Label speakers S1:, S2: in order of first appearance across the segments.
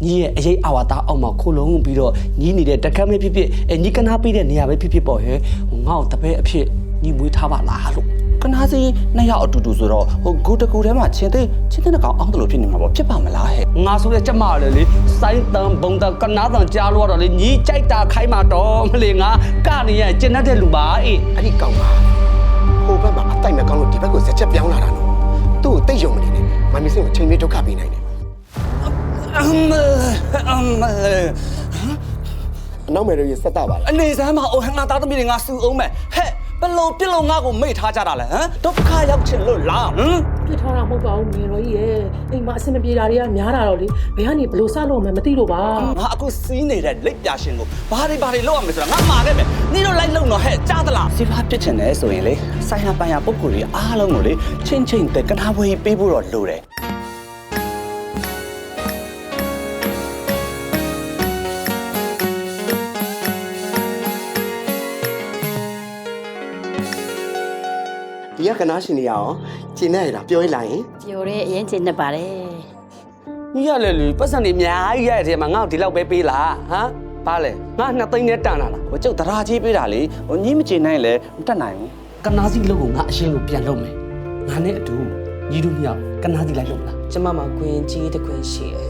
S1: ညီရဲ့အရေးအာဝါဒအောက်မှာခိုလုံးပြီးတော့ညီနေတဲ့တက္ကမဖြစ်ဖြစ်ညီကနာပေးတဲ့နေရာပဲဖြစ်ဖြစ်ပေါ့ဟဲ့ငါ့ကိုတပည့်အဖြစ်ညီမွေးထားပါလားလို့ကနာစီနှစ်ယောက်အတူတူဆိုတော့ဟိုဂူတကူထဲမှာချင်းတဲ့ကောင်အောင်းတယ်လို့ဖြစ်နေမှာပေါ့ဖြစ်ပါမလားဟဲ့ငါဆိုတဲ့ကျမလေလေစိုင်းတန်ဘုံတန်ကနာတန်ကြားလို့တော့လေညီကြိုက်တာခိုင်းမှာတော့မလေငါကနေရကျင်တတ်တဲ့လူပါအေး
S2: အဲ့ဒီကောင်ပါဟိုဘက်မှာအတိုက်မဲ့ကောင်းလို့ဒီဘက်ကိုဆက်ချက်ပြောင်းလာတာနော်သူ့ကိုတိတ်ယုံမနေနဲ့မမီစင်ကိုချိန်လေးဒုက္ခပေးနိုင်တယ်အနောက်မယ်ရစက်တာပါလား
S1: အနေစမ်းမအိုဟန်ငါသားသမီးတွေငါစူအောင်မယ်ဟဲ့ဘယ်လိုပြစ်လို့ငါ့ကိုမိတ်ထားကြတာလဲဟမ်ဒုက္ခရောက်ချင်လို့လားဟမ်
S3: ပြစ်ထားတာမဟုတ်ပါဘူးမေတော်ကြီးရဲ့အိမ်မှာအဆင်မပြေတာတွေကများတာတော့လေဘယ်ကနေဘလို့စလို့မှမသိလို့ပါ
S1: ငါအခုစီးနေတဲ့လက်ပြရှင်ကိုဘာတွေလောက်ရမလဲဆိုတာငါမှာခဲ့မယ်နင်တို့လိုက်လုံတော့ဟဲ့ကြားသလားစီဖားပြစ်ချင်တယ်ဆိုရင်လေဆိုင်ဟာပိုင်ဟာပုဂ္ဂိုလ်တွေအားလုံးကိုလေချင်းတဲ့ကနာဝေးပေးဖို့တော့လိုတယ်
S2: ဒီကနာရှင်နေရအောင်ကျင်းနေရတာပြောရလိုက်ရင်
S4: ပြောရဲအရင်ကျင်းနေပါတယ်
S1: ညီရလေလူပတ်စံနေအများကြီးရတဲ့ထဲမှာငါ့ကိုဒီလောက်ပဲပေးလားဟမ်ဘာလဲငါ2သိန်းနဲ့တန်လာလားဟိုကျုပ်တရာကြီးပေးတာလေဟိုညီမချင်နိုင်လဲမတက်နိုင်ဘူးကနာစီလုံးကိုငါအရှင်းကိုပြန်လုပ်မယ်ငါနဲ့အတူညီတို့မြောက်ကနာစီလိုက်လုပ်လား
S5: ကျမမှာခွင်ကြီးတစ်ခွင်ရှိတယ်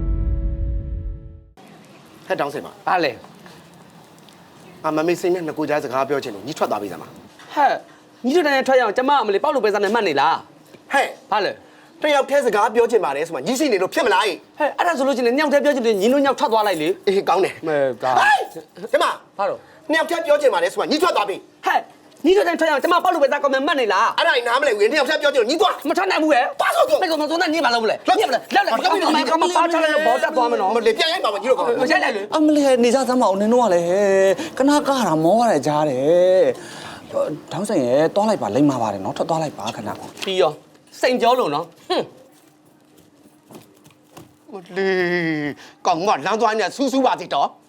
S2: ဟဲ့တောင်းစင်ပါ
S1: ဘာလဲ
S2: မမေစင်နဲ့ငကိုကြားစကားပြောချင်လို့ညီထွက်သွားပြီစမ်းပါ
S1: ဟဲ့ညီတို့တိုင်းထွက်ရအောင်ကျမအမလေးပေါက်လို့ပဲစားနေမှတ်နေလား
S2: ဟဲ့
S1: ဘာလဲ
S2: တယောက်တည်းစကားပြောချင်ပါတယ်ဆိုမှညီစီနေလို့ဖြစ်မလားဟဲ့
S1: အဲ့ဒါဆိုလို့ချင်းညောင်တဲ့ပြောချင်တယ်ညီတို့ညောက်ထွက်သွားလိုက်လေ
S2: အေးကောင်းတယ်
S1: မဲဒါ
S2: ဒီမှာ
S1: ဘာလို့
S2: တယောက်တည်းပြောချင်ပါတယ်ဆိုမှညီထွက်သွားပြီ
S1: ဟဲ့ညီတို့တိုင်းထွက်ရအောင်ကျမပေါက်လို့ပဲစားကောင်းမှတ်နေလား
S2: အဲ့ဒါနားမလဲဝင်တယောက်တည်းပြောချင်လို့ညီသွား
S1: မထွက်နိုင်ဘူးရဲ့
S2: ပါဆိုတော့
S1: ဘယ်ကောင်ဆုံးနဲ့ညီမလုပ်မလဲညက်မလဲလက်လက်ကောင်းပါပါချလိုက်လို့ဘောတက်သွားမနော်
S2: မလေပြန်ရိုက်ပါမညီတို့ကောင်
S1: မရိုက်လိုက်လေ
S6: အမလေးနေစားသမ်းမအောင်နင်တို့ကလည်းကနာကားတာမောရတယ်ကြားတယ်တောင်းဆိုင်ရဲတွားလိုက်ပါလိမ့်မှာပါတယ်နော်ထွက်သွားလိုက်ပါခဏ
S1: ပြီးရောစိန်ကြောလို့နော်
S2: မလေကောင်ကလမ်းသွားနေဆူးဆူးပါသေးတော့